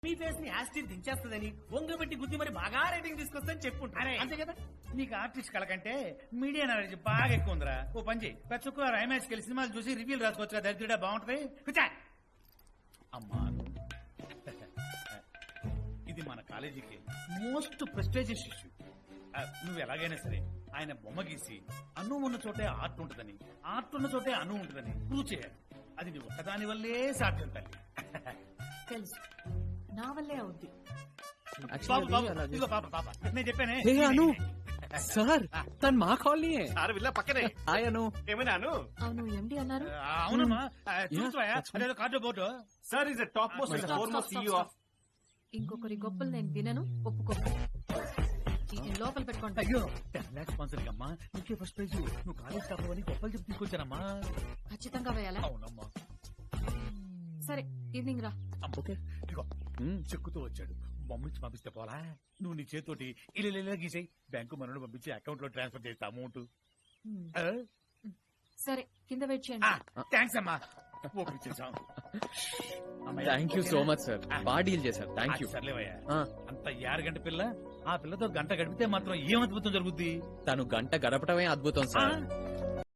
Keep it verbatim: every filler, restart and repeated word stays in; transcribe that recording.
మీ face ని యాస్టిన్ దించేస్తుందని ఒంగబెట్టి గుద్ది మరి బాగా రేటింగ్ తీసుకొస్తాని చెప్పుకుంటాను అంతే కదా. నీకు ఆర్టిస్ట్ కళ కంటే మీడియా నాలెడ్జ్ బాగా ఎక్కువ ఉందిరా. ఓ పని చేయి, ప్రతి శుక్రవారం ఐమాక్స్ కెళ్ళి సినిమాలు చూసి రివ్యూలు రాసుకోవచ్చు. దరిద్రుడా బాగుంటది. కూర్చో. అమ్మా ఇది మన కాలేజీకి మోస్ట్ ప్రెస్టేజియస్ ఇష్యూ. నువ్వు ఎలాగైనా సరే ఆయన బొమ్మ గీసి అన్ను ఉన్న చోటే ఆర్ట్ ఉంటుందని, ఆర్ట్ ఉన్న చోటే అన్ను ఉంటుందని ప్రూవ్ చేయాలి. అది నువ్వు ఒక్కదాని వల్లే సాధ్యం తల్లి. తెలుసు, నా వల్లే అవుద్ది. బాబు బాబు ఇదిగో పాప పాప నేను చెప్పానే. అను సార్ తను మా కాలనీ సార్ విల్ల పక్కనే ఆయను ఏమైనా అను అవును ఎండి అన్నారు. అవునమ్మా చూసుకోయా అదేదో card board. Sir is top most and foremost CEO of. ఇంకొకరి గొప్పలు నేను వినను, ఒప్పుకో. ఈ లోపల పెట్టుకోండి. అయ్యో టెన్ లాక్స్ స్పాన్సర్ అమ్మా, నీకే ఫస్ట్ ప్రైజ్. నువ్వు కాలేజ్ టాప్ అని గొప్పలు చెప్పి తీసుకొచ్చానమ్మా. ఖచ్చితంగా వేయాలా? అవునమ్మా. సరే ఈవినింగ్ రా. ఓకే ఇదిగో చెక్కుతూ వచ్చాడు. బొమ్మిచ్చి పంపిస్తే పోలా. నువ్వు నీ చేతితోటి ఇలా గీసాయి, బ్యాంకు మనోడు పంపించి అకౌంట్ లో ట్రాన్స్ఫర్ చేస్తా అమౌంట్. సరే కింద వెయిట్ చేయండి. థ్యాంక్స్ అమ్మా. ఒప్పించేసాం. Thank you so much sir, బాగా డీల్ చేశారు. Thank you. సర్లేవయ్యా, అంత యారు గంట పిల్ల ఆ పిల్లతో గంట గడిపితే మాత్రం ఏం అద్భుతం జరుగుద్ది. తను గంట గడపటమే అద్భుతం సార్.